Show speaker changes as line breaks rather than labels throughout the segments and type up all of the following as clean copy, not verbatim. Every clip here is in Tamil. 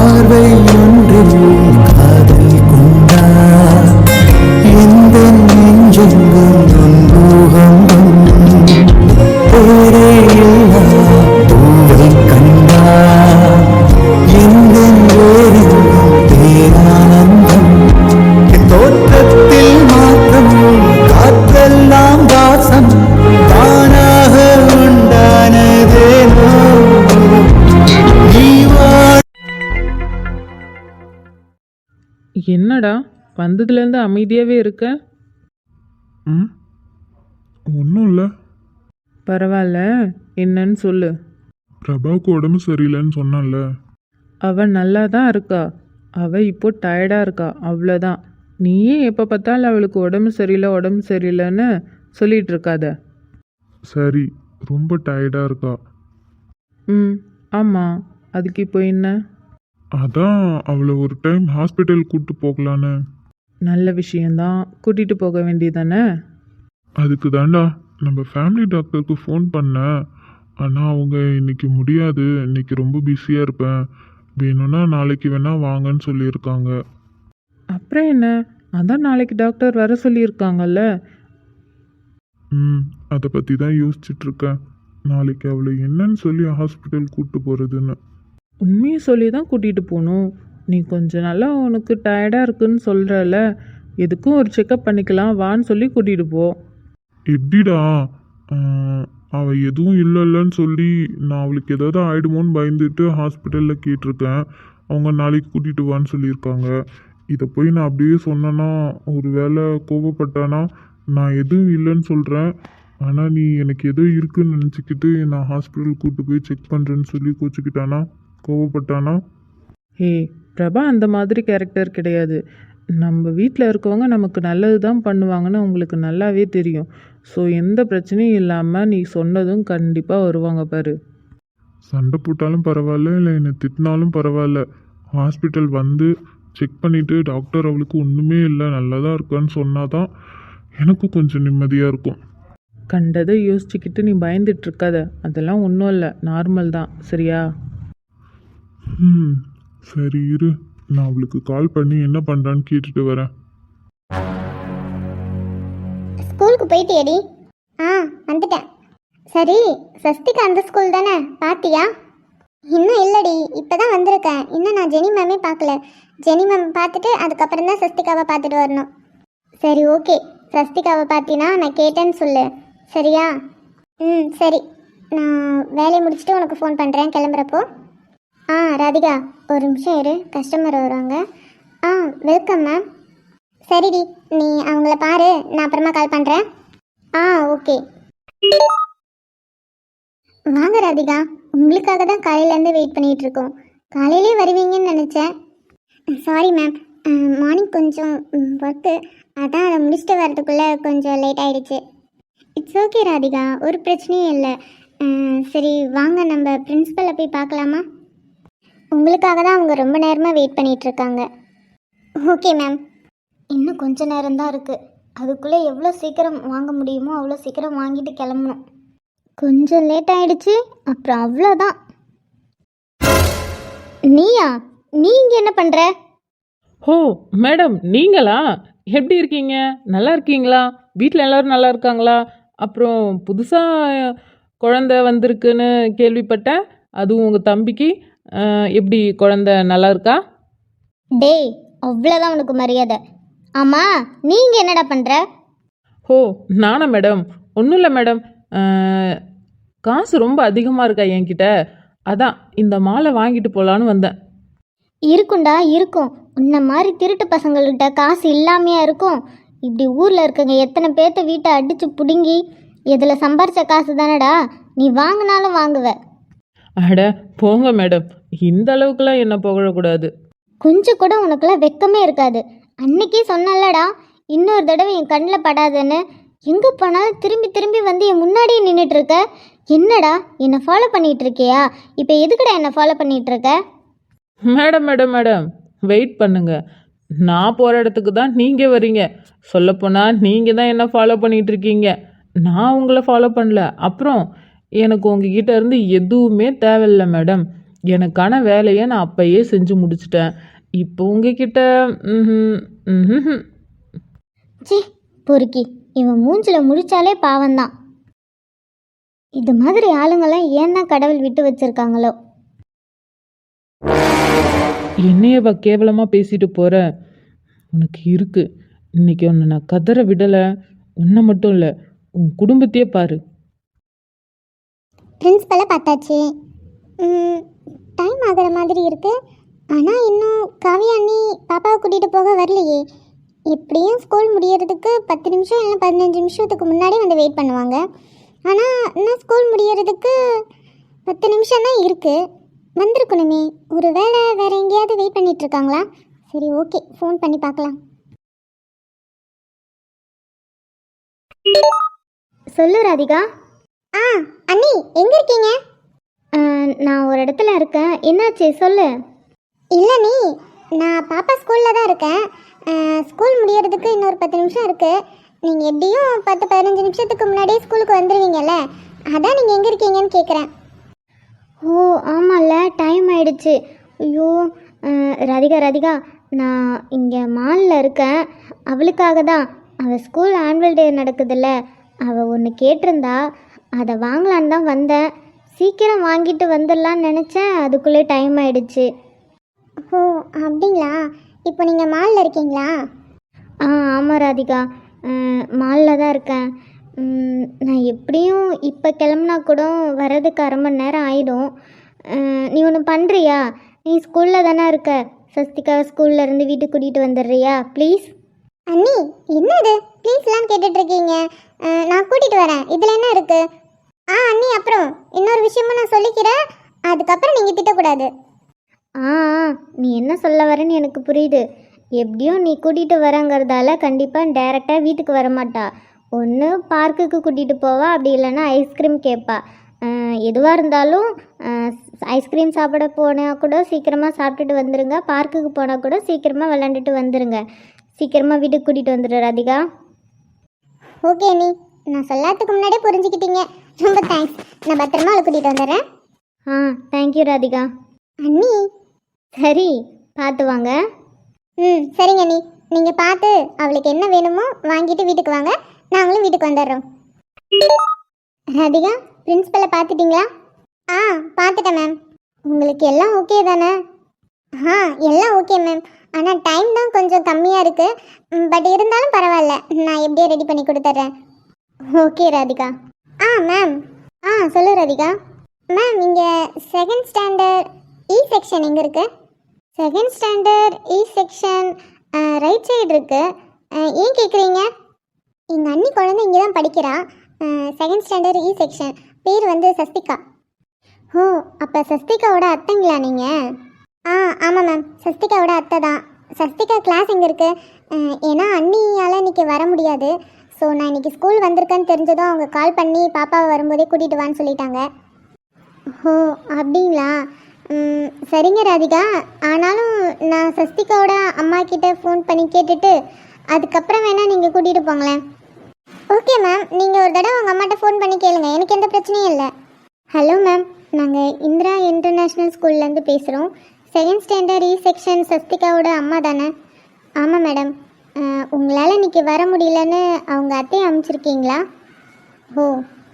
பார்வை ஒன்றில் காதல் கொண்டார் எந்த நெஞ்செங்கும் நொன்பூகம்பம் பேரே இல்லா பூவை கண்டார் எந்த வேறெங்கும் பேரானந்தம் தோற்றத்தில் மாற்றம் காற்றெல்லாம் வாசம் தானாக உண்டானதேனோ
என்னடா வந்ததுலேருந்து அமைதியாகவே இருக்க?
ஒன்றும் இல்லை.
பரவாயில்ல, என்னன்னு சொல்லு.
பிரபாவுக்கு உடம்பு சரியில்லைன்னு சொன்னான்ல.
அவள் நல்லா தான் இருக்கா. அவள் இப்போ டயர்டாக இருக்கா, அவ்வளோதான். நீயே எப்போ பார்த்தாலும் அவளுக்கு உடம்பு சரியில்லைன்னு சொல்லிகிட்டு இருக்காத.
சரி, ரொம்ப டயர்டாக இருக்கா.
ஆமாம், அதுக்கு இப்போ என்ன?
அதான் அவளை ஒரு டைம் ஹாஸ்பிட்டல் கூப்பிட்டு போகலான்னு.
நல்ல விஷயந்தான், கூட்டிகிட்டு போக வேண்டியதானே.
அதுக்கு தாண்டா நம்ம ஃபேமிலி டாக்டருக்கு ஃபோன் பண்ணேன். ஆனால் அவங்க இன்னைக்கு முடியாது, இன்னைக்கு ரொம்ப பிஸியாக இருப்பேன், வேணும்னா நாளைக்கு வேணால் வாங்கன்னு சொல்லியிருக்காங்க.
அப்புறம் என்ன, அதான் நாளைக்கு டாக்டர் வர சொல்லியிருக்காங்கல்ல.
அதை பற்றி தான் யோசிச்சுட்ருக்கேன். நாளைக்கு அவளை என்னன்னு சொல்லி ஹாஸ்பிட்டல் கூப்பிட்டு போகிறதுன்னு.
உண்மையை சொல்லி தான் கூட்டிகிட்டு போகணும். நீ கொஞ்சம் நல்லா உனக்கு டயர்டாக இருக்குன்னு சொல்கிறல, எதுக்கும் ஒரு செக்கப் பண்ணிக்கலாம் வான்னு சொல்லி கூட்டிகிட்டு போ.
எப்படிடா அவள் எதுவும் இல்லைன்னு சொல்லி நான் அவளுக்கு ஏதாவது ஆகிடுமோன்னு பயந்துட்டு ஹாஸ்பிட்டலில் கேட்டிருக்கேன். அவங்க நாளைக்கு கூட்டிகிட்டு வான்னு சொல்லியிருக்காங்க. இதை போய் நான் அப்படியே சொன்னேன்னா ஒரு வேளை கோபப்பட்டானா, நான் எதுவும் இல்லைன்னு சொல்கிறேன், ஆனால் நீ எனக்கு ஏதோ இருக்குன்னு நினச்சிக்கிட்டு நான் ஹாஸ்பிட்டல் கூப்பிட்டு போய் செக் பண்ணுறேன்னு சொல்லி கோச்சிக்கிட்டானா, கோவப்பட்டானா?
ஹே பிரபா, அந்த மாதிரி கேரக்டர் கிடையாது. நம்ம வீட்டில் இருக்கவங்க நமக்கு நல்லது தான் பண்ணுவாங்கன்னு உங்களுக்கு நல்லாவே தெரியும். ஸோ எந்த பிரச்சனையும் இல்லாமல் நீ சொன்னதும் கண்டிப்பாக வருவாங்க பாரு.
சண்டை போட்டாலும் பரவாயில்ல, இல்லை என்னை திட்டினாலும் பரவாயில்ல, ஹாஸ்பிட்டல் வந்து செக் பண்ணிவிட்டு டாக்டர் அவளுக்கு ஒன்றுமே இல்லை நல்லா தான் இருக்கான்னு சொன்னால் தான் எனக்கும் கொஞ்சம் நிம்மதியாக இருக்கும்.
கண்டதை யோசிச்சுக்கிட்டு நீ பயந்துட்டு இருக்காத, அதெல்லாம் ஒன்றும் இல்லை, நார்மல் தான், சரியா?
சரி இரு, நான் அவளுக்கு கால் பண்ணி என்ன பண்ணுறான்னு கேட்டுட்டு வரேன்.
ஸ்கூலுக்கு போயிட்டியடி? வந்துட்டேன். சரி, சஸ்திகா அந்த ஸ்கூல் தானே, பாத்தியா? இன்னும் இல்லடி, இப்போ தான் வந்திருக்கேன். இன்னும் நான் ஜெனி மேமே பார்க்கல. ஜெனி மேம் பார்த்துட்டு அதுக்கப்புறம் தான் சஸ்திகாவை பார்த்துட்டு வரணும். சரி ஓகே, சஸ்திகாவை பார்த்தினா நான் கேட்டேன்னு சொல்லு, சரியா? சரி, நான் வேலையை முடிச்சுட்டு உனக்கு ஃபோன் பண்ணுறேன் கிளம்புறப்போ. ராதிகா ஒரு நிமிஷம் இரு, கஸ்டமர் வருவாங்க. Welcome ma'am. சரிடி, நீ அவங்கள பாரு, நான் அப்புறமா கால் பண்ணுறேன். ஓகே. வாங்க ராதிகா, உங்களுக்காக தான் காலையிலேருந்து வெயிட் பண்ணிகிட்டு இருக்கோம். காலையிலே வருவீங்கன்னு நினச்சேன். சாரி மேம், மார்னிங் கொஞ்சம் ஒர்க்கு, அதான் அதை முடிச்சுட்டு வரதுக்குள்ளே கொஞ்சம் லேட் ஆகிடுச்சு. இட்ஸ் ஓகே ராதிகா, ஒரு பிரச்சனையும் இல்லை. சரி வாங்க, நம்ம பிரின்ஸிபலை போய் பார்க்கலாமா? உங்களுக்காக தான் அவங்க ரொம்ப நேரமாக வெயிட் பண்ணிகிட்ருக்காங்க. Okay ma'am. இன்னும் கொஞ்ச நேரம்தான் இருக்குது, அதுக்குள்ளே எவ்வளோ சீக்கிரம் வாங்க முடியுமோ அவ்வளோ சீக்கிரம் வாங்கிட்டு கிளம்பணும். கொஞ்சம் லேட் ஆகிடுச்சு, அப்புறம் அவ்வளோதான். நீயா? நீங்கள் என்ன பண்ணுற?
ஓ மேடம், நீங்களா? எப்படி இருக்கீங்க? நல்லா இருக்கீங்களா? வீட்டில் எல்லோரும் நல்லா இருக்காங்களா? அப்புறம் புதுசாக குழந்த வந்திருக்குன்னு கேள்விப்பட்டேன், அதுவும் உங்கள் தம்பிக்கு. எப்படி குழந்த நல்லா இருக்கா?
டேய், அவ்வளோதான் உனக்கு மரியாதை. ஆமாம், நீங்கள் என்னடா பண்ணுற?
ஓ நானா மேடம்? ஒன்றும் இல்லை மேடம், காசு ரொம்ப அதிகமாக இருக்கா என்கிட்ட, அதான் இந்த மாலை வாங்கிட்டு போகலான்னு வந்தேன்.
இருக்குண்டா இருக்கும், உன்ன மாதிரி திருட்டு பசங்கள்கிட்ட காசு இல்லாமையா இருக்கும். இப்படி ஊரில் இருக்கங்க எத்தனை பேர்த்த வீட்டை அடித்து பிடுங்கி இதில் சம்பாரித்த காசு தானடா, நீ வாங்கினாலும் வாங்குவ.
அட போங்க மேடம், இந்த அளவுக்குலாம் என்ன புகழக்கூடாது.
கொஞ்சம் கூட உனக்குலாம் வெக்கமே இருக்காது. அன்னைக்கே சொன்னல்லடா, இன்னொரு தடவை என் கண்ணில் படாதுன்னு. எங்கே போனாலும் திரும்பி திரும்பி வந்து என் முன்னாடியே நின்றுட்டு இருக்க. என்னடா என்னை ஃபாலோ பண்ணிகிட்டு இருக்கியா? இப்போ எதுக்குடா என்னை ஃபாலோ பண்ணிகிட்டு இருக்க?
மேடம் மேடம் மேடம் வெயிட் பண்ணுங்க, நான் போகிற இடத்துக்கு தான் நீங்கள் வரீங்க. சொல்லப்போனால் நீங்கள் தான் என்ன ஃபாலோ பண்ணிகிட்டு இருக்கீங்க, நான் உங்களை ஃபாலோ பண்ணல. அப்புறம் எனக்கு உங்ககிட்ட இருந்து எதுவுமே தேவையில்லை மேடம். எனக்கான வேலையை நான் அப்பயே செஞ்சு முடிச்சிட்டேன். இப்போ உங்ககிட்ட ம்ஹும், ம்ஹும்.
ச்சே பொறுக்கி, இவன் மூஞ்சில முடிச்சாலே பாவம்தான். இது மாதிரி ஆளுங்கெல்லாம் ஏன் தான் கடவுள் விட்டு வச்சிருக்காங்களோ.
என்னையவா கேவலமாக பேசிட்டு போகிற? உனக்கு இருக்கு. இன்னைக்கு உன்னை நான் கதற விடலை. உன்னை மட்டும் இல்லை, உன் குடும்பத்தையே பாரு.
பிரின்ஸ்பலை பார்த்தாச்சு. டைம் ஆகிற மாதிரி இருக்கு. ஆனால் இன்னும் காவியா அண்ணி பாப்பாவை கூட்டிகிட்டு போக வரலையே. எப்படியும் ஸ்கூல் முடியறதுக்கு 10 நிமிஷம் இல்லை 15 நிமிஷத்துக்கு முன்னாடி வந்து வெயிட் பண்ணுவாங்க. ஆனால் இன்னும் ஸ்கூல் முடியறதுக்கு 10 நிமிஷம் தான் இருக்குது. வந்திருக்கணுமே. ஒரு வேளை வேறு எங்கேயாவது வெயிட் பண்ணிட்டு இருக்காங்களா? சரி, ஓகே, ஃபோன் பண்ணி பார்க்கலாம். சொல்லு ராதிகா. அண்ணி எங்கே இருக்கீங்க? நான் ஒரு இடத்துல இருக்கேன். என்னாச்சு சொல்லு. இல்லை நீ, நான் பாப்பா ஸ்கூலில் தான் இருக்கேன். ஸ்கூல் முடியறதுக்கு இன்னொரு 10 நிமிஷம் இருக்குது. நீங்கள் எப்படியும் 10-15 நிமிஷத்துக்கு முன்னாடியே ஸ்கூலுக்கு வந்துடுவீங்கல்ல, அதான் நீங்கள் எங்கே இருக்கீங்கன்னு கேட்குறேன். ஓ ஆமாம்ல, டைம் ஆயிடுச்சு. ஐயோ ராதிகா, நான் இங்கே மாலில் இருக்கேன். அவளுக்காக தான். அவள் ஸ்கூல் ஆனுவல் டே நடக்குதுல்ல, அவள் ஒன்று கேட்டிருந்தா, அதை வாங்கலான்னு தான் வந்தேன். சீக்கிரம் வாங்கிட்டு வந்துடலான்னு நினச்சேன், அதுக்குள்ளே டைம் ஆயிடுச்சு. ஓ அப்படிங்களா? இப்போ நீங்கள் மாலில் இருக்கீங்களா? ஆமாம் ராதிகா, மாலில் தான் இருக்கேன். நான் எப்படியும் இப்போ கிளம்புனா கூட வர்றதுக்கு 1/2 மணி நேரம் ஆகிடும். நீ ஒன்று பண்ணுறியா? நீ ஸ்கூலில் தானே இருக்க, சஸ்திகாவை ஸ்கூல்லேருந்து வீட்டுக்கு கூட்டிகிட்டு வந்துடுறியா ப்ளீஸ்? அண்ணி என்ன இது ப்ளீஸ்லாம் கேட்டுட்ருக்கீங்க? நான் கூட்டிகிட்டு வரேன், இதில் என்ன இருக்குது? அண்ணி அப்புறம் இன்னொரு விஷயமும் நான் சொல்லிக்கிறேன், அதுக்கப்புறம் நீங்கள் திட்டக்கூடாது. நீ என்ன சொல்ல வரேன்னு எனக்கு புரியுது. எப்படியும் நீ கூட்டிகிட்டு வரங்கிறதால கண்டிப்பாக டைரெக்டாக வீட்டுக்கு வரமாட்டா. ஒன்று பார்க்குக்கு கூட்டிகிட்டு போவா, அப்படி இல்லைன்னா ஐஸ்கிரீம் கேட்பா. எதுவாக இருந்தாலும் ஐஸ்கிரீம் சாப்பிட போனால் கூட சீக்கிரமாக சாப்பிட்டுட்டு வந்துடுங்க, பார்க்குக்கு போனால் கூட சீக்கிரமாக விளாண்டுட்டு வந்துடுங்க. சீக்கிரமாக வீட்டுக்கு கூட்டிகிட்டு வந்துடு ராதிகா. ஓகே அண்ணி, நான் சொல்லாததுக்கு முன்னாடியே புரிஞ்சுக்கிட்டீங்க. ரொம்ப தேங்க்ஸ். நான் பத்திரமா அவளை கூட்டிகிட்டு வந்துடுறேன். தேங்க்யூ ராதிகா. அண்ணி சரி, பார்த்து வாங்க. சரிங்க அண்ணி, நீங்கள் பார்த்து அவளுக்கு என்ன வேணுமோ வாங்கிட்டு வீட்டுக்கு வாங்க, நாங்களும் வீட்டுக்கு வந்துடுறோம். ராதிகா, பிரின்ஸ்பலை பார்த்துட்டிங்களா? பார்த்துட்டேன் மேம். உங்களுக்கு எல்லாம் ஓகே தானே? எல்லாம் ஓகே மேம். ஆனால் டைம் தான் கொஞ்சம் கம்மியாக இருக்குது. பட் இருந்தாலும் பரவாயில்ல, நான் எப்படியே ரெடி பண்ணி கொடுத்துட்றேன். ஓகே ராதிகா. மேம். சொல்லு ராதிகா. மேம், இங்கே 2nd ஸ்டாண்டர்ட் இ செக்ஷன் எங்கே இருக்குது? 2nd standard E section right side இருக்குது. ஏன் கேட்குறீங்க? எங்கள் அண்ணி குழந்தை இங்கே தான் படிக்கிறா. 2nd standard E section. பேர் வந்து சஸ்திகா. ஓ, அப்போ சஸ்திகாவோட அத்தைங்களா நீங்கள்? ஆமாம் மேம், சஸ்திகாவோட அத்தை தான். சஸ்திகா கிளாஸ் எங்கே இருக்குது? ஏன்னா அண்ணியால் இன்றைக்கி வர முடியாது. ஸோ நான் இன்றைக்கி ஸ்கூல் வந்திருக்கேன்னு தெரிஞ்சதும் அவங்க கால் பண்ணி பாப்பாவை வரும்போதே கூட்டிகிட்டு வான்னு சொல்லிட்டாங்க. ஓ அப்படிங்களா? சரிங்க ராதிகா. ஆனாலும் நான் சஸ்திகாவோட அம்மா கிட்ட ஃபோன் பண்ணி கேட்டுட்டு அதுக்கப்புறம் வேணால் நீங்கள் கூட்டிகிட்டு போங்களேன். ஓகே மேம், நீங்கள் ஒரு தடவை உங்கள் அம்மாட்ட ஃபோன் பண்ணி கேளுங்க, எனக்கு எந்த பிரச்சனையும் இல்லை. ஹலோ மேம், நாங்கள் இந்திரா இன்டர்நேஷ்னல் ஸ்கூல்லேருந்து பேசுகிறோம். 2nd ஸ்டாண்டர்ட் இ செக்ஷன் சஸ்திகாவோட அம்மா தானே? ஆமாம் மேடம். உங்களால் இன்றைக்கி வர முடியலன்னு அவங்க அத்தையை அனுப்பிச்சிருக்கீங்களா? ஓ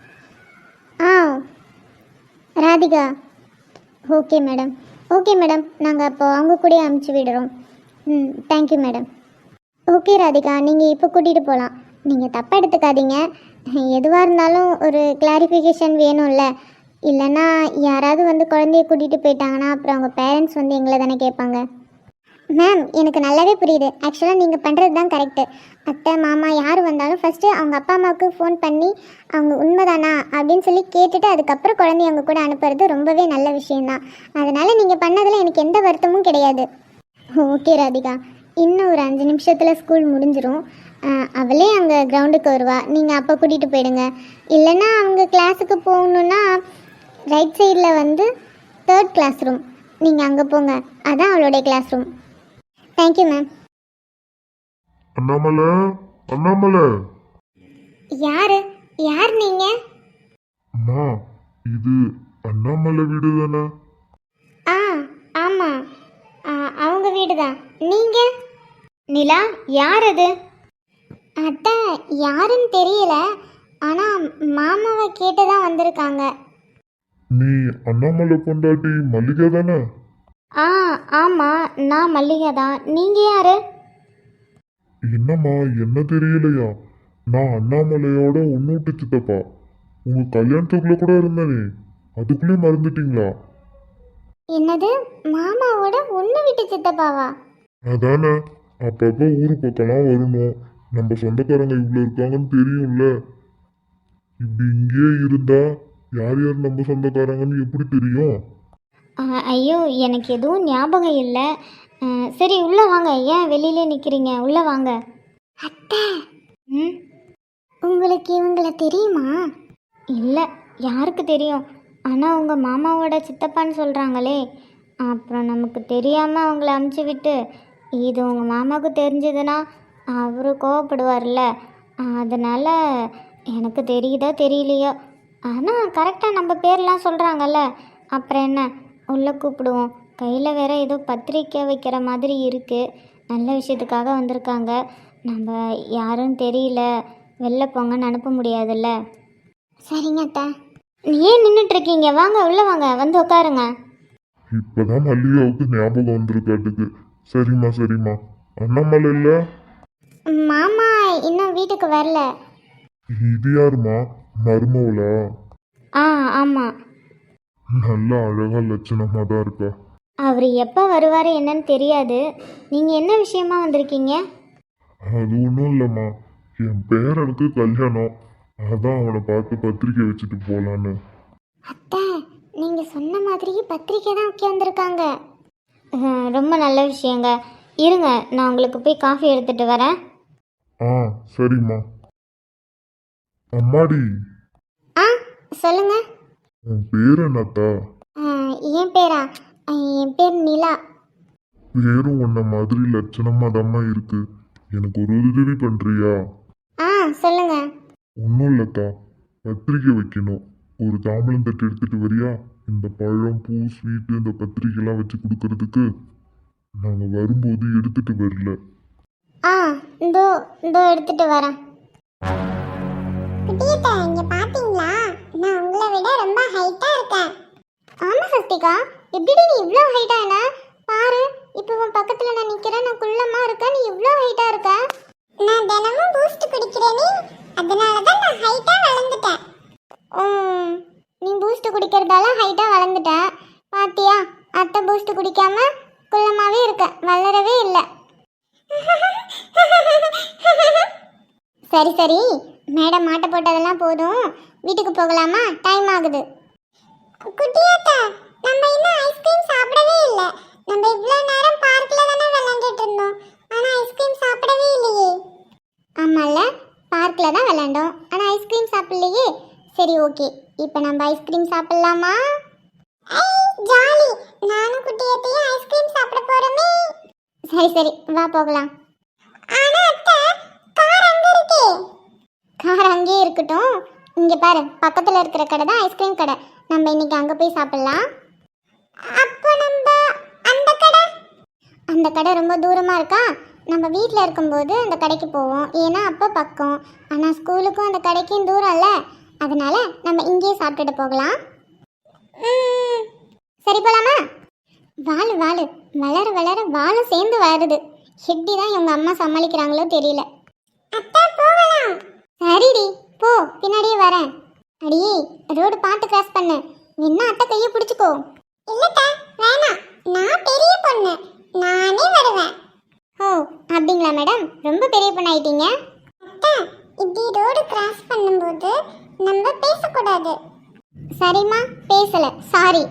ராதிகா. ஓகே மேடம், நாங்கள் அப்போ அவங்க கூட அனுப்பிச்சி விடுறோம். Thank you madam. ஓகே ராதிகா, நீங்கள் இப்போ கூட்டிகிட்டு போகலாம். நீங்கள் தப்பாக எடுத்துக்காதீங்க. எதுவாக இருந்தாலும் ஒரு கிளாரிஃபிகேஷன் வேணும்ல. இல்லைன்னா யாராவது வந்து குழந்தைய கூட்டிகிட்டு போயிட்டாங்கன்னா அப்புறம் அவங்க பேரண்ட்ஸ் வந்து எங்களை தானே கேட்பாங்க. மேம், எனக்கு நல்லாவே புரியுது. ஆக்சுவலாக நீங்கள் பண்ணுறது தான் கரெக்டு. அத்தை மாமா யார் வந்தாலும் ஃபஸ்ட்டு அவங்க அப்பா அம்மாவுக்கு ஃபோன் பண்ணி அவங்க உண்மைதானா அப்படின்னு சொல்லி கேட்டுட்டு அதுக்கப்புறம் குழந்தைய அவங்க கூட அனுப்புறது ரொம்பவே நல்ல விஷயந்தான். அதனால் நீங்கள் பண்ணதில் எனக்கு எந்த வருத்தமும் கிடையாது. ஓகே ராதிகா, இன்னும் ஒரு 5 நிமிஷத்தில் ஸ்கூல் முடிஞ்சிடும். அவளே அங்கே கிரவுண்டுக்கு வருவா, நீங்கள் அப்போ கூட்டிகிட்டு போயிடுங்க. இல்லைன்னா அவங்க கிளாஸுக்கு போகணுன்னா ரைட் சைடில் வந்து 3rd கிளாஸ் ரூம், நீங்கள் அங்கே போங்க, அதான் அவளுடைய class room. Thank you ma'am.
Annamalai.
யார் நீங்கள்?
அம்மா, இது அண்ணாமலை வீடு தானே?
ஆ ஆமாம், அவங்க வீடு தான். நீங்கள்? நிலா, யார் அது? அத்தை, யாருன்னு தெரியல, ஆனால் மாமாவை கேட்டு தான் வந்திருக்காங்க.
நீ அண்ணாமலை பொண்டாட்டி மல்லிகா தானே?
ஆ ஆமாம், நான் மல்லிகா தான். நீங்கள் யார்?
என்னம்மா என்ன தெரியலையா? நான் அண்ணாமலையோட ஒன்னூட்டு சித்தப்பா. உங்க கல்யாணத்துக்குள்ள கூட இருந்தனே, அதுக்குள்ளே மறந்துட்டீங்களா?
என்னது, மாமாவோட ஒன்று விட்டு சித்தப்பாவா?
அதானே, அப்பப்போ ஊரு பக்கம்லாம் வரணும். நம்ம சொந்தக்காரங்க இவ்வளோ இருக்காங்கன்னு தெரியும்ல. இப்படி இங்கேயே இருந்தா யார் யார் நம்ம சொந்தக்காரங்கன்னு எப்படி தெரியும்?
ஐயோ, எனக்கு எதுவும் ஞாபகம் இல்லை. சரி, உள்ளே வாங்க. ஏன் வெளியிலே நிற்கிறீங்க? உள்ளே வாங்க. அத்தை, ம், உங்களுக்கு இவங்களை தெரியுமா? இல்லை, யாருக்கு தெரியும்? ஆனால் உங்கள் மாமாவோட சித்தப்பான்னு சொல்கிறாங்களே. அப்புறம் நமக்கு தெரியாமல் அவங்கள அமுச்சு விட்டு இது உங்கள் மாமாவுக்கு தெரிஞ்சதுன்னா அவரு கோவப்படுவார்ல. அதனால் எனக்கு தெரியுதோ தெரியலையோ, ஆனால் கரெக்டாக நம்ம பேர்லாம் சொல்கிறாங்கல்ல, அப்புறம் என்ன, உள்ளே கூப்பிடுவோம். கையில் வேற ஏதோ பத்திரிக்கை வைக்கிற மாதிரி இருக்குது. நல்ல விஷயத்துக்காக வந்திருக்காங்க. நம்ம யாரும் தெரியல, வெளில போங்கன்னு அனுப்ப முடியாதுல்ல. சரிங்க அத்தா. ஏன் நின்றுட்டுருக்கீங்க? வாங்க, உள்ளே வாங்க, வந்து உட்காருங்க.
இப்பதான் மல்லிகாவுக்கு ஞாபகம் வந்திருக்காட்டுக்கு. சரிம்மா சரிம்மா. அண்ணாமலை இல்லை?
மாமா இன்னும் வீட்டுக்கு வரல.
இது யாருமா, மருமவளா?
ஆ ஆமாம்.
நல்லா அழகா லட்சணமாக தான் இருக்கா.
அவர் எப்போ வருவார் என்னன்னு தெரியாது. நீங்கள் என்ன விஷயமா வந்திருக்கீங்க?
அது ஒன்றும் இல்லைம்மா, என் பேரனுக்கு கல்யாணம். அதான் அவனை பார்த்து பத்திரிக்கை வச்சுட்டு போகலான்னு.
அத்தை, நீங்கள் சொன்ன மாதிரியே பத்திரிக்கை தான் உட்காந்துருக்காங்க. ரொம்ப நல்ல விஷயங்க. இருங்க, நான் உங்களுக்கு போய் காஃபி எடுத்துகிட்டு வரேன்.
ஆ சரிம்மா. அம்மாடி,
ஆ சொல்லுங்க.
உன் பேர் என்னத்தா?
என் பேரா? என் பேர் நிலா.
பேரும் உன்ன மாதிரி லட்சணமாக தாம்மா இருக்கு. எனக்கு ஒரு உதவி பண்ணுறியா?
ஆ சொல்லுங்க.
ஒன்றும் இல்லைத்தா, பத்திரிக்கை வைக்கணும். ஒரு தாம்பலம் தட்டு எடுத்துட்டு வரியா? இந்த பழம், பூ, ஸ்வீட்டு, இந்த பத்திரிக்கைலாம் வச்சு கொடுக்கறதுக்கு. நாங்கள் வரும்போது எடுத்துட்டு வரல.
ஆ இதோ இதோ எடுத்துட்டு வரேன். குட்டியத்தை, இங்க பாத்தீங்களா? நான் உங்களை விட ரொம்ப ஹைட்டா இருக்கேன். ஆமா சஸ்திகா, எப்படி நீ இவ்ளோ ஹைட்டா? என்ன பாரு, இப்போ உன் பக்கத்துல நான் நிக்கிறேன். நான் குள்ளமா இருக்கேன், நீ இவ்ளோ ஹைட்டா இருக்க. நான் தினமும் பூஸ்ட் குடிக்கிறேனே, அதனால தான் நான் ஹைட்டா வளர்ந்துட்டேன். நீ பூஸ்ட் குடிக்கிறதால ஹைட்டா வளர்ந்துட்ட. பாத்தியா, அத்தை பூஸ்ட் குடிக்காம குள்ளமாவே இருக்க, வளரவே இல்லை. சரி சரி, மேடம் மாட்ட போட்டதெல்லாம் போதும், வீட்டுக்கு போகலாமா? டைம் ஆகுது. குட்டியாத்தா, நம்ம இன்னும் ஐஸ்கிரீம் சாப்பிடவே இல்லை. நம்ம இவ்வளோ நேரம் பார்க்ல தானே விளையாண்டுட்டு இருந்தோம், ஆனால் ஐஸ்கிரீம் சாப்பிடவே இல்லையே. ஆமாம்ல, பார்க்கில் தான் விளையாண்டோம், ஆனால் ஐஸ்கிரீம் சாப்பிடலையே. சரி ஓகே, இப்போ நம்ம ஐஸ்கிரீம் சாப்பிடலாமா? ஜாலி, நானும் குட்டியாத்தையும் ஐஸ்கிரீம் சாப்பிட போறோமே. சரி சரி, வா போகலாம். ஆனா அத்தை, கார் அங்க இருக்கே. கார் அங்கேயே இருக்கட்டும். இங்க பாரு, பக்கத்துல இருக்கிற கடை தான் ஐஸ்கிரீம் கடை. நம்ம இன்னைக்கு அங்க போய் சாப்பிடலாம். அப்போ நம்ம அந்த கடை ரொம்ப தூரமா இருக்கா. நம்ம வீட்டில் இருக்கும்போது அந்த கடைக்கு போவோம், ஏன்னா அப்போ பக்கம். ஆனால் ஸ்கூலுக்கும் அந்த கடைக்கும் தூரம்ல, அதனால நம்ம இங்கேயே சாப்பிட்டுட்டு போகலாம். சரி போலாமா? வாழு வாழு, வளர வளர வாழும் சேர்ந்து வருது. எப்படி தான் இவங்க அம்மா சமாளிக்கிறாங்களோ தெரியல. அத்தை போகலாம். சரிடி, போ, பின்னாடியே வரேன். அடியே, ரோடு பார்த்து கிராஸ் பண்ணு. என்ன அத்தை கையை பிடிச்சிக்கோ. இல்லத்தா, வேணாம், நான் பெரிய பொண்ணு, நானே வருவேன். ஓ அப்படிங்களா மேடம், ரொம்ப பெரிய பொண்ணு ஆயிட்டீங்க. அத்தை, இப்படி ரோடு கிராஸ் பண்ணும்போது நம்ம பேசக்கூடாது. சரிம்மா, பேசல, சாரி.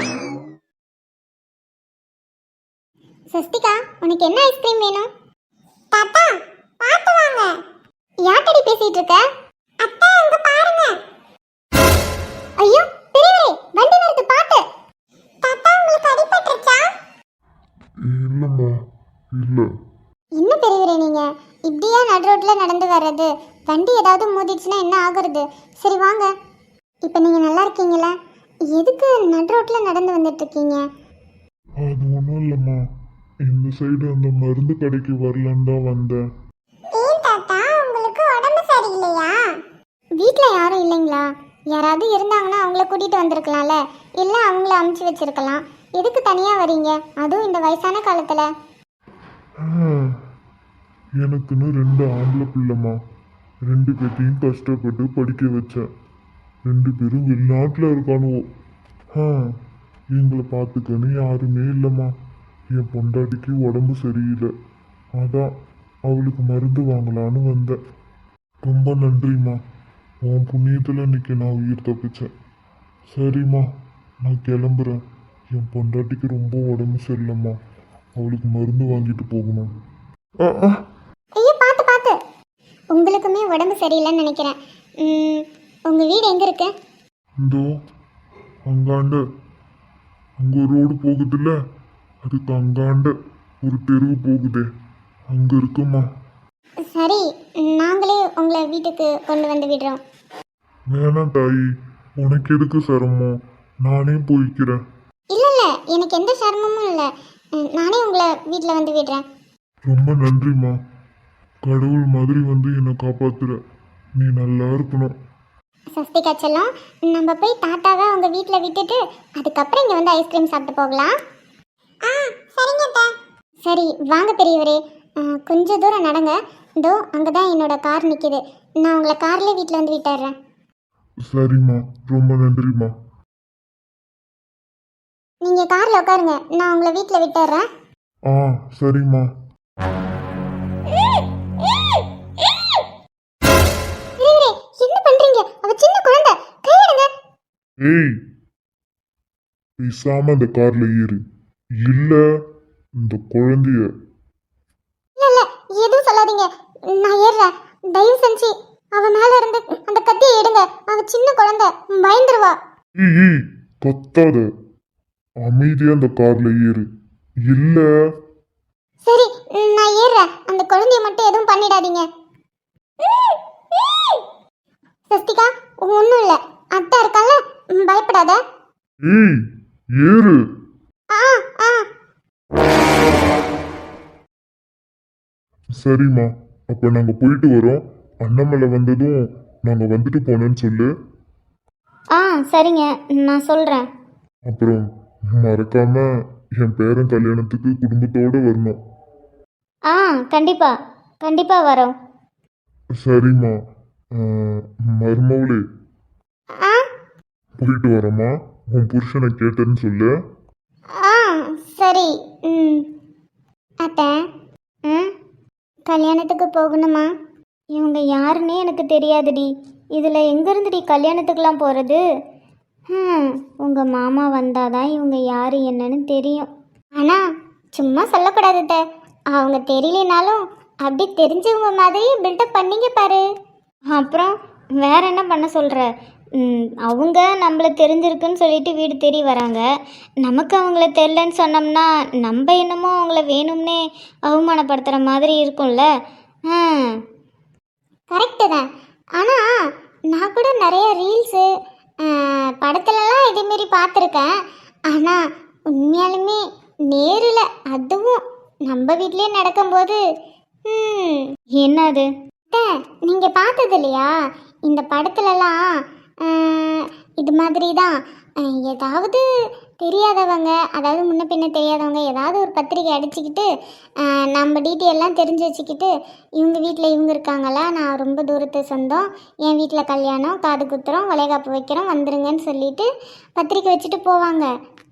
சஸ்திகா, உனக்கு என்ன ஐஸ்கிரீம் வேணும்? தாத்தா, பாத்து வாங்க. யார்கிட்ட பேசிட்டு இருக்க? அத்தை, அங்க பாருங்க. ஐயோ பெரியவரே, வண்டி நிறுத்து, பாத்து. தாத்தா, உங்களுக்கு அடிபட்டுச்சா?
இல்லைம்மா, இல்லை.
என்ன பெரியவரே நீங்க இப்படியா நடு ரோட்ல நடந்து வர்றது? வண்டி ஏதாவது மோதிடுச்சுன்னா என்ன ஆகுறது? சரி வாங்க. இப்போ நீங்க நல்லா இருக்கீங்களா? எதுக்கு நடு ரோட்ல நடந்து வந்துட்டு இருக்கீங்க?
அது ஒன்றும் இல்லைம்மா, இந்த சைடு அந்த மருந்து கடைக்கு வரலன்னு தான் வந்தேன்.
ஏன் தாத்தா உங்களுக்கு உடம்பு சரியில்லையா? வீட்டில் யாரும் இல்லைங்களா? யாராவது இருந்தாங்கன்னா அவங்கள கூட்டிகிட்டு வந்திருக்கலாம்ல, இல்லை அவங்கள அமுச்சு வச்சிருக்கலாம். எதுக்கு தனியாக வரீங்க, அதுவும் இந்த வயசான காலத்தில்?
எனக்குன்னு 2 ஆம்பளை பிள்ளைம்மா, 2 பேர்த்தையும் கஷ்டப்பட்டு படிக்க வச்சேன். 2 பேரும் வெளிநாட்டில் இருக்கானுவோ. எங்களை பார்த்துக்கன்னு யாருமே இல்லைம்மா. என் பொண்டாட்டிக்கு உடம்பு சரியில்லை, அதான் அவளுக்கு மருந்து வாங்கலான்னு வந்தேன். ரொம்ப நன்றிம்மா, உன் புண்ணியத்தில் இன்னைக்கு நான் உயிர் தப்பிச்சேன். சரிம்மா, நான் கிளம்புறேன். என் பொண்டாட்டிக்கு ரொம்ப உடம்பு சரியில்லைம்மா, அவளுக்கு மருந்து வாங்கிட்டு போகணும்.
ஐயோ பார்த்து பார்த்து, உங்களுக்குமே உடம்பு சரியில்லைன்னு நினைக்கிறேன். உங்கள் வீடு எங்கே இருக்கு?
இந்தோ அங்காண்ட அங்கே ரோடு போகுதுல்ல, அதுக்கு அங்காண்ட ஒரு தெருவு போகுதே, அங்கே இருக்குமா.
சரி, நாங்களே உங்களை வீட்டுக்கு கொண்டு வந்து விடுறோம்.
வேணாம் தாயி, உனக்கு எதுக்கு சிரமம், நானே போய்க்கிறேன்.
இல்லை இல்லை, எனக்கு எந்த சிரமமும் இல்லை. நானே உங்களை வீட்டில் வந்து விடுறேன்.
ரொம்ப நன்றிம்மா, கடவுள் மாதிரி வந்து என்னை காப்பாத்துற. நீ நல்லா இருக்கணும்.
சஸ்திகா செல்லம், நம்ம போய் தாத்தாவை உங்கள் வீட்டில் விட்டுட்டு அதுக்கப்புறம் இங்கே வந்து ஐஸ்கிரீம் சாப்பிட்டு போகலாம். சரிங்க. சரி வாங்க பெரியவரே, கொஞ்சம் தூரம் நடங்க. இதோ அங்கே தான் என்னோட கார் நிற்கிது. நான் உங்களை கார்லேயே வீட்டில் வந்து விட்டுறேன்.
சரிம்மா, ரொம்ப நன்றிம்மா.
நீங்கள் காரில் உட்காருங்க, நான் உங்களை வீட்டில் விட்டுறேன்.
சரிம்மா.
என்ன பண்றீங்க? அவ சின்ன குழந்தை, கையிடுங்க.
ஏய், பேசாம அந்த கார்ல ஏறு, இல்ல இந்த குழந்தைய.
இல்ல இல்ல, எதுவும் சொல்லாதீங்க, நான் ஏறுறேன். தயவு செஞ்சு அவ மேல இருந்து அந்த கத்தியை எடுங்க. அவ சின்ன குழந்தை, பயந்துருவா.
ஏய், கத்தாத, அமைதியா அந்த கார்ல ஏறு, இல்ல.
சரி, நான் ஏறுறேன். அந்த குழந்தைய மட்டும் எதுவும் பண்ணிடாதீங்க. சஸ்திகா, ஒன்றும் இல்லை, அத்தை இருக்கால, பயப்படாத.
ஏய், ஏறு. சரிம்மா, அப்ப நாங்க போயிட்டு வரோம். அண்ணாமலை வந்ததும் நாங்க வந்துட்டு போனேன்னு சொல்லு.
சரிங்க, நான் சொல்கிறேன்.
அப்புறம் மறக்காம என் பேரன் கல்யாணத்துக்கு குடும்பத்தோட வரணும்.
கண்டிப்பாக வரோம்.
சரிம்மா, மருமவளே போயிட்டு வரமா, உன் புருஷனை கேட்டேன்னு சொல்லு.
சரி. அத்தை, கல்யாணத்துக்கு போகணுமா? இவங்க யாருன்னே எனக்கு தெரியாதுடி. இதில் எங்கேருந்துடி கல்யாணத்துக்கெலாம் போகிறது? உங்கள் மாமா வந்தாதான் இவங்க யார் என்னன்னு தெரியும். ஆனால் சும்மா சொல்லக்கூடாது அத்தை. அவங்க தெரியலனாலும் அப்படி தெரிஞ்சவங்க மாதிரி பில்டப் பண்ணிங்க பாரு. அப்புறம் வேற என்ன பண்ண சொல்கிற? அவங்க நம்மளை தெரிஞ்சிருக்குன்னு சொல்லிட்டு வீடு தேடி வராங்க. நமக்கு அவங்கள தெரிலன்னு சொன்னோம்னா நம்ம என்னமோ அவங்கள வேணும்னே அவமானப்படுத்துகிற மாதிரி இருக்கும்ல. கரெக்டு தான். ஆனால் நான் கூட நிறைய ரீல்ஸு படத்துலலாம் இதேமாரி பார்த்துருக்கேன். ஆனால் உண்மையாலுமே நேரில், அதுவும் நம்ம வீட்லேயே நடக்கும்போது என்னது நீங்கள் பார்த்தது இல்லையா? இந்த படத்துலலாம் இது மாதிரி தான் ஏதாவது தெரியாதவங்க, அதாவது முன்ன பின்ன தெரியாதவங்க ஏதாவது ஒரு பத்திரிக்கை அடிச்சுக்கிட்டு நம்ம டீட்டெயிலெலாம் தெரிஞ்சு வச்சுக்கிட்டு, இவங்க வீட்டில் இவங்க இருக்காங்களா, நான் ரொம்ப தூரத்து சொந்தம், என் வீட்டில் கல்யாணம், காது குத்துறோம், வளைகாப்பு வைக்கிறோம், வந்துருங்கன்னு சொல்லிட்டு பத்திரிக்கை வச்சுட்டு போவாங்க.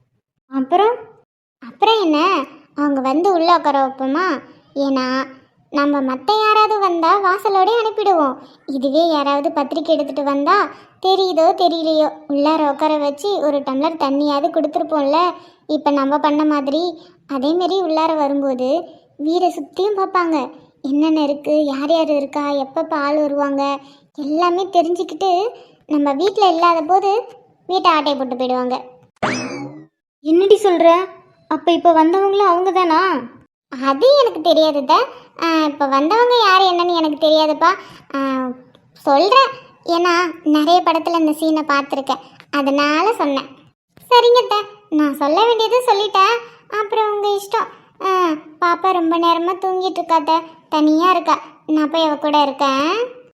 அப்புறம் என்ன, அவங்க வந்து உள்ளே உட்கார வைப்போமா? ஏன்னா நம்ம மற்ற யாராவது வந்தால் வாசலோடய அனுப்பிடுவோம். இதுவே யாராவது பத்திரிக்கை எடுத்துகிட்டு வந்தால் தெரியுதோ தெரியலையோ உள்ளார உட்கார வச்சு ஒரு டம்ளர் தண்ணியாவது கொடுத்துருப்போம்ல. இப்போ நம்ம பண்ண மாதிரி அதேமாரி உள்ளார வரும்போது வீடை சுற்றியும் பார்ப்பாங்க, என்னென்ன இருக்குது, யார் யார் இருக்கா, எப்பப்போ ஆள் வருவாங்க எல்லாமே தெரிஞ்சுக்கிட்டு நம்ம வீட்டில் இல்லாத போது வீட்டை ஆட்டையை போட்டு போயிடுவாங்க. என்னடி சொல்கிற? அப்போ இப்போ வந்தவங்களும் அவங்க தானா? அது எனக்கு தெரியாதுத. இப்போ வந்தவங்க யார் என்னன்னு எனக்கு தெரியாதுப்பா. சொல்கிறேன், ஏன்னா நிறைய படத்தில் இந்த சீனை பார்த்துருக்கேன், அதனால சொன்னேன். சரிங்கத்த, நான் சொல்ல வேண்டியது சொல்லிட்டேன். அப்புறம் உங்கள் இஷ்டம். பாப்பா ரொம்ப நேரமாக தூங்கிட்டு இருக்காத்த, தனியாக இருக்கா. நான் போய் அவ கூட இருக்கேன்.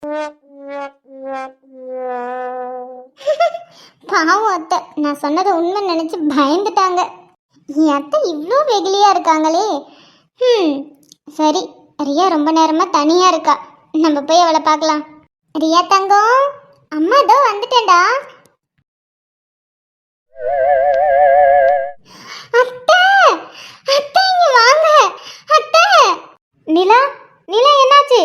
பாவம் அத்தை, நான் சொன்னதை உண்மை நினச்சி பயந்துட்டாங்க. என் அத்தை இவ்வளோ வெகுலியாக இருக்காங்களே. சரி, ரியா ரொம்ப நேரமாக தனியாக இருக்கா. நம்ம போய் அவளை பார்க்கலாம். ரியா தங்கம், அம்மா இதோ வந்துட்டேன்டா. அத்தை, அத்தை இங்க வாங்க. அத்தை. நிலா, நிலா என்னாச்சு?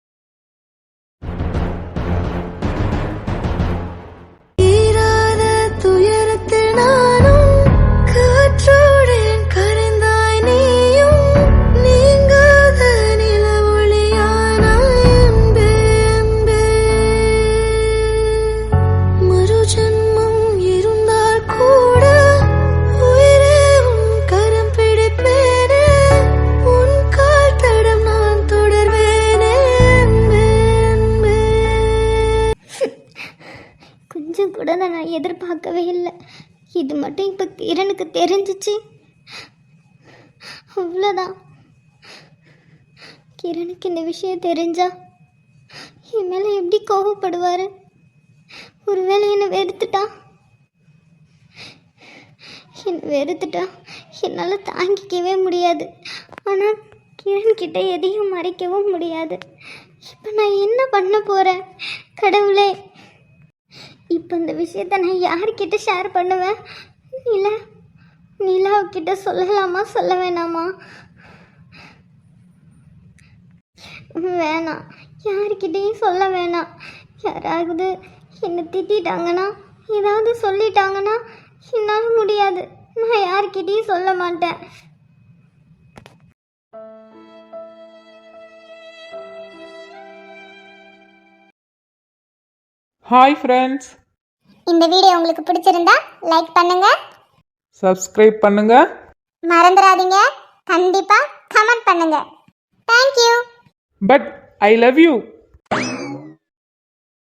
தீராத துயரத்தில் நானும் காற்றோடேன் கரைந்தாய் நீயும் நீங்காத நிலவொளியானாய் அன்பே அன்பே. மறு ஜென்மம் இருந்தால் கூட உயிரே உன் கரம் பிடிப்பேனே, உன் கால் தடம் நான் தொடர்வேனே அன்பே அன்பே.
கொஞ்சம் கூட நான் எதிர்பார்க்கவே இல்லை. இது மட்டும் இப்போ கிரணுக்கு தெரிஞ்சிச்சு, அவ்வளோதான். கிரணுக்கு இந்த விஷயம் தெரிஞ்சா என் மேலே எப்படி கோபப்படுவார்? ஒருவேளை என்னை வெறுத்துட்டா என்னால் தாங்கிக்கவே முடியாது. ஆனால் கிரண்கிட்ட எதையும் மறைக்கவும் முடியாது. இப்போ நான் என்ன பண்ண போகிறேன்? கடவுளே, இப்போ இந்த விஷயத்த நான் யார்கிட்ட ஷேர் பண்ணுவேன்? நிலாவுக்கிட்ட சொல்லலாமா சொல்ல வேணாமா? வேணாம், யார்கிட்டையும் சொல்ல வேணாம். யாராவது என்னை திட்டாங்கன்னா, ஏதாவது சொல்லிட்டாங்கன்னா என்னால் முடியாது. நான் யார்கிட்டையும் சொல்ல மாட்டேன்.
ஹாய் ஃப்ரெண்ட்ஸ்,
இந்த வீடியோ உங்களுக்கு பிடிச்சிருந்தா லைக் பண்ணுங்க,
சப்ஸ்கிரைப் பண்ணுங்க.
மறந்துடாதீங்க, கண்டிப்பா கமெண்ட் பண்ணுங்க. Thank you.
But I love you.